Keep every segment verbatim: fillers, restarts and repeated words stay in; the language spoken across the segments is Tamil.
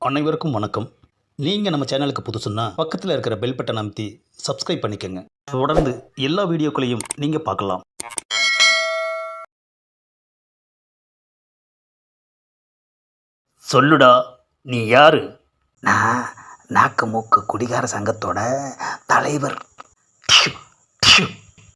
அனைவருக்கும் வணக்கம். நீங்கள் நம்ம சேனலுக்கு புதுசுன்னா பக்கத்தில் இருக்கிற பெல் பட்டன் அமைத்தி சப்ஸ்கிரைப் பண்ணிக்கோங்க. தொடர்ந்து எல்லா வீடியோக்களையும் நீங்கள் பார்க்கலாம். சொல்லுடா, நீ யாரு? நான் நாக்கு மூக்கு குடிகார சங்கத்தோட தலைவர். டிஷு, டிஷு.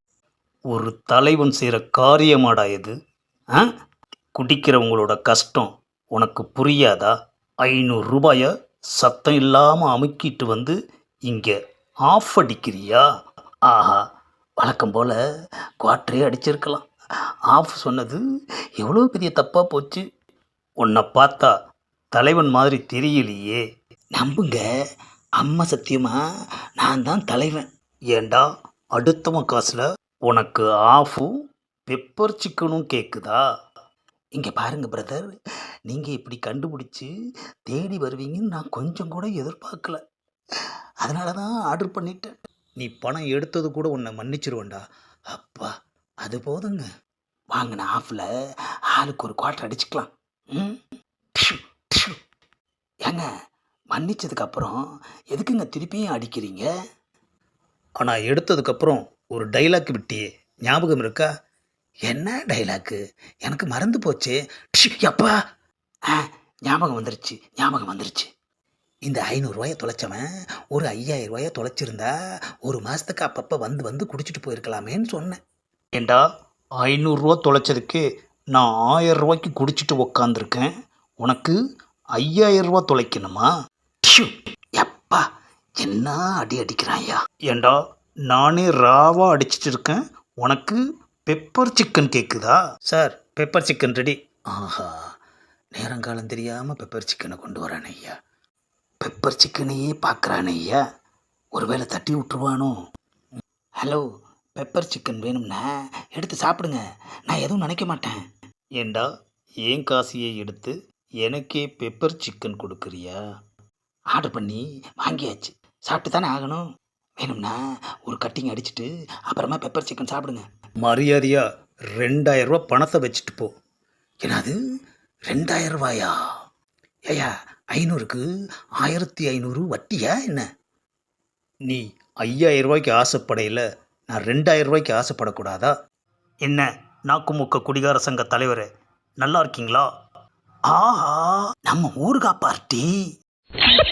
ஒரு தலைவன் செய்கிற காரியமாடா இது? ஆ குடிக்கிறவங்களோட கஷ்டம் உனக்கு புரியாதா? ஐநூறு ரூபாயை சத்தம் இல்லாமல் அமுக்கிட்டு வந்து இங்கே ஆஃப் அடிக்கிறியா? ஆஹா, வழக்கம் போல் குவாட்டரே அடிச்சிருக்கலாம். ஆஃப் சொன்னது எவ்வளோ பெரிய தப்பாக போச்சு. உன்னை பார்த்தா தலைவன் மாதிரி தெரியலையே. நம்புங்க, அம்மா சத்தியமா நான் தான் தலைவன். ஏண்டா, அடுத்தவன் காசில் உனக்கு ஆஃபும் பெப்பர் சிக்கனும் கேட்குதா? இங்கே பாருங்க பிரதர், நீங்கள் இப்படி கண்டுபிடிச்சி தேடி வருவீங்கன்னு நான் கொஞ்சம் கூட எதிர்பார்க்கல. அதனால தான் ஆர்டர் பண்ணிட்டேன். நீ பணம் எடுத்தது கூட உன்னை மன்னிச்சிருவேண்டா. அப்பா, அது போதுங்க. வாங்கின ஆஃபில் ஆளுக்கு ஒரு குவார்ட்டர் அடிச்சுக்கலாம். ம் டிஷு, டிஷு. ஏங்க, மன்னிச்சதுக்கப்புறம் எதுக்குங்க திருப்பியும் அடிக்கிறீங்க? ஆனால் எடுத்ததுக்கப்புறம் ஒரு டைலாக் விட்டியே, ஞாபகம் இருக்கா? என்ன டைலாக்கு? எனக்கு மறந்து போச்சு. டிஷு, அப்பா. ஆ, ஞாபகம் வந்துருச்சு, ஞாபகம் வந்துருச்சு. இந்த ஐநூறுரூவாயை தொலைச்சவன் ஒரு ஐயாயிரம் ரூபாயை தொலைச்சிருந்தா ஒரு மாதத்துக்கு அப்பப்போ வந்து வந்து குடிச்சிட்டு போயிருக்கலாமேன்னு சொன்னேன். ஏண்டா, ஐநூறுரூவா தொலைச்சதுக்கு நான் ஆயிரம் ரூபாய்க்கு குடிச்சிட்டு உக்காந்துருக்கேன். உனக்கு ஐயாயிரம் ரூபா தொலைக்கணுமா? டிஷு, எப்பா, என்ன அடி அடிக்கிறாயா? ஏண்டா, நானே ராவாக அடிச்சிட்டு இருக்கேன், உனக்கு பெப்பர் சிக்கன் கேட்குதா? Sir, pepper chicken ready. ஆஹா, நேரங்காலம் தெரியாமல் பெப்பர் சிக்கனை கொண்டு வரானே ஐயா. பெப்பர் சிக்கனையே பார்க்குறானே ஐயா. ஒருவேளை தட்டி விட்டுருவானோ? ஹலோ, பெப்பர் சிக்கன் வேணும்னா எடுத்து சாப்பிடுங்க, நான் எதுவும் நினைக்க மாட்டேன். ஏண்டா, ஏன் காசியை எடுத்து எனக்கே பெப்பர் சிக்கன் கொடுக்குறியா? ஆர்டர் பண்ணி வாங்கியாச்சு, சாப்பிட்டு தானே ஆகணும். வேணும்னா ஒரு கட்டிங் அடிச்சுட்டு அப்புறமா பெப்பர் சிக்கன் சாப்பிடுங்க. மரியாதையா ரெண்டாயிரம் ரூபா பணத்தை வச்சுட்டு போ. என்னது, ரெண்டாயிரம் ரூபாயா? ஏயா, ஐநூறுக்கு ஆயிரத்தி ஐநூறு வட்டியா என்ன? நீ ஐயாயிரம் ரூபாய்க்கு ஆசைப்படையில் நான் ரெண்டாயிரம் ரூபாய்க்கு ஆசைப்படக்கூடாதா? என்ன நாக்குமுக்க குடிகார சங்க தலைவர், நல்லா இருக்கீங்களா? ஆஹா, நம்ம ஊருகா பார்ட்டி.